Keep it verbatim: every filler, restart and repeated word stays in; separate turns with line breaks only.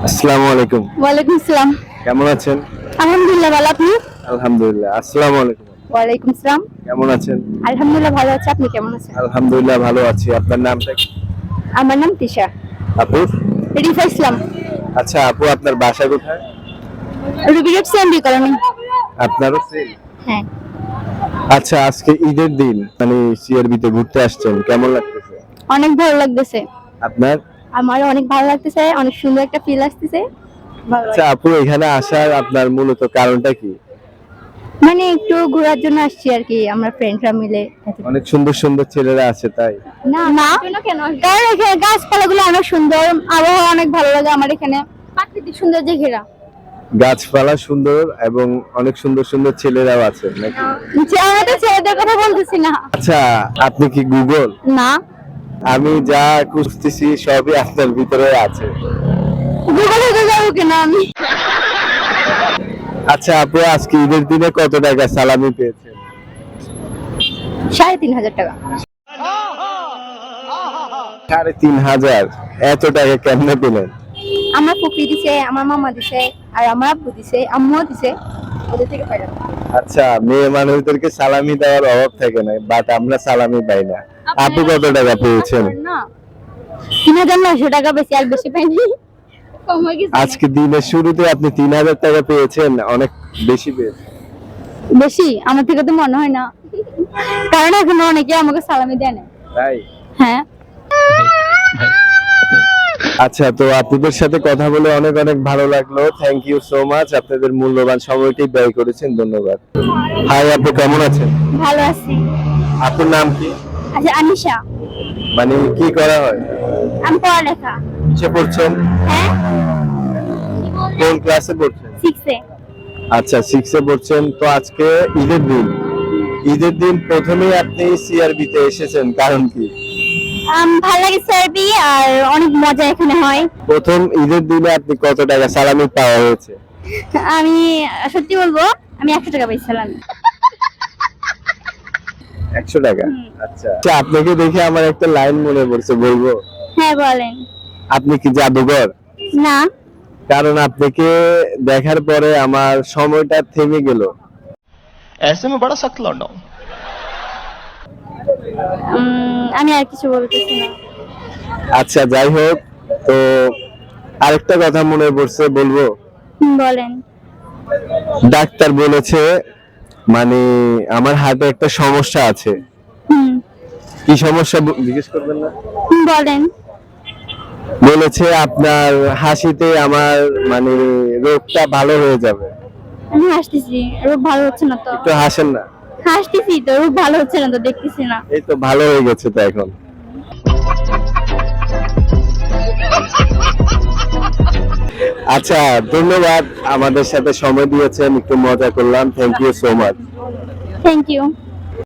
আসসালামু আলাইকুম।
ওয়ালাইকুম আসসালাম।
কেমন আছেন?
আলহামদুলিল্লাহ ভালো, আপনি?
আলহামদুলিল্লাহ। আসসালামু আলাইকুম।
ওয়ালাইকুম আসসালাম।
কেমন আছেন?
আলহামদুলিল্লাহ ভালো আছি, আপনি কেমন আছেন?
আলহামদুলিল্লাহ ভালো আছি। আপনার নামটা কি?
আমার নাম তিশা।
আপু?
রিফা ইসলাম।
আচ্ছা আপু, আপনার বাসা কোথায়?
রুবি রোড সেন্ডি কলোনি।
আপনারও সেম?
হ্যাঁ।
আচ্ছা, আজকে ঈদের দিন, মানে সিআরবিতে ঘুরতে আসছেন, কেমন লাগতেছে?
অনেক ভালো লাগতেছে।
আপনার?
আমার অনেক ভালো লাগতেছে, অনেক সুন্দর একটা ফিল আসতেছে। ভালো
আচ্ছা
লাগছে।
আপু, এখানে আসার আপনার মূলত কারণটা কি?
মানে একটু ঘোরার জন্য আসছি আর কি, আমরা ফ্রেন্ডরা মিলে।
অনেক সুন্দর সুন্দর ছেলেরা আছে তাই?
না না, কেন? কারণ এখানে গাছপালাগুলো অনেক সুন্দর, আবহাওয়া অনেক ভালো লাগে আমার এখানে, প্রাকৃতিক সৌন্দর্যে ঘেরা।
গাছপালা সুন্দর এবং অনেক সুন্দর সুন্দর ছেলেরাও আছে নাকি?
যে আমাদের ছেলেদের কথা বলতেছি না।
আচ্ছা, আপনি কি গুগল?
না,
আমি যা খুঁজতেছি সবই আপনার ভিতরে আছে।
গুগলে তো যাবো কেন আমি?
আচ্ছা আপু, আজকে ঈদের দিনে কত টাকা সালামি পেয়েছেন?
সাড়ে তিন হাজার টাকা।
সাড়ে তিন হাজার? এত টাকা কেমনে পেলেন?
আমার ফুপি দিছে, আমার মামা দিছে, আর আমার আব্বু দিছে, আম্মুও দিছে, ওদের থেকে পাইলাম।
আচ্ছা, মেয়ে মানুষদেরকে সালামি দেওয়ার অভাব থাকে না, বাট আমরা সালামি পাই না। আপু কত টাকা পেয়েছেন?
না, তিন হাজার নয়শো টাকা, বেশি আর বেশি পাইনি। কম হয়ে গেছে।
আজকে দিনের শুরুতে আপনি তিন হাজার টাকা পেয়েছেন, অনেক বেশি পেয়েছেন।
বেশি আমার থেকে তো মনে হয় না, কারণ এখন অনেকে আমাকে সালামি দেয় না।
তাই?
হ্যাঁ।
আচ্ছা, তো আপনাদের সাথে কথা বলে অনেক অনেক ভালো লাগলো। থ্যাংক ইউ সো মাচ, আপনাদের মূল্যবান সময়টি ব্যয় করেছেন, ধন্যবাদ। হাই আপু, কেমন আছেন?
ভালো আছি।
আপনার নাম কি?
আচ্ছা, আনিশা।
মানে কি করা হয়?
আমি পড়ালেখা।
কিসে পড়ছেন?
হ্যাঁ,
কোন ক্লাসে পড়ছেন?
সিক্সে।
আচ্ছা, সিক্সে পড়ছেন। তো আজকে ঈদের দিন, ঈদের দিন প্রথমেই আপনি সিআরবি তে এসেছেন, কারণ কি?
ভালো লাগে সার্বি, আর অনেক মজা এখানে হয়।
প্রথম ঈদের দিনে আপনি কত টাকা সালামি পাওয়া হয়েছে?
আমি সত্যি বলবো, আমি একশো টাকা পাইছিলাম।
একশো টাকা? আচ্ছা আচ্ছা, আপনাকে দেখে আমার একটা লাইন মনে পড়ছে, বলবো?
হ্যাঁ বলেন।
আপনি কি জাদুঘর?
না।
কারণ আপনাকে দেখার পরে আমার সময়টা থেমে গেল।
ऐसे में बड़ा सख्त लौंडा हूं।
আমি আর কিছু বলতেছি না।
আচ্ছা যাই হোক, তো আরেকটা কথা মনে পড়ছে, বলবো?
বলেন।
ডাক্তার বলেছে, মানে আমার হার্টে একটা সমস্যা আছে।
হুম।
কি সমস্যা ব- জিজ্ঞেস করবেন না?
বলেন।
বলেছে আপনার হাসিতে আমার মানে রোগটা ভালো হয়ে যাবে।
আমি হাসতেছি, রূপ ভালো হচ্ছে না তো।
একটু হাসেন না।
হাসতেছি তো, রূপ ভালো হচ্ছে না তো, দেখতেছি না।
এই তো ভালো হয়ে গেছে তো এখন। আচ্ছা, ধন্যবাদ, আমাদের সাথে সময় দিয়েছেন, একটু মজা করলাম। Thank you so much.
Thank you.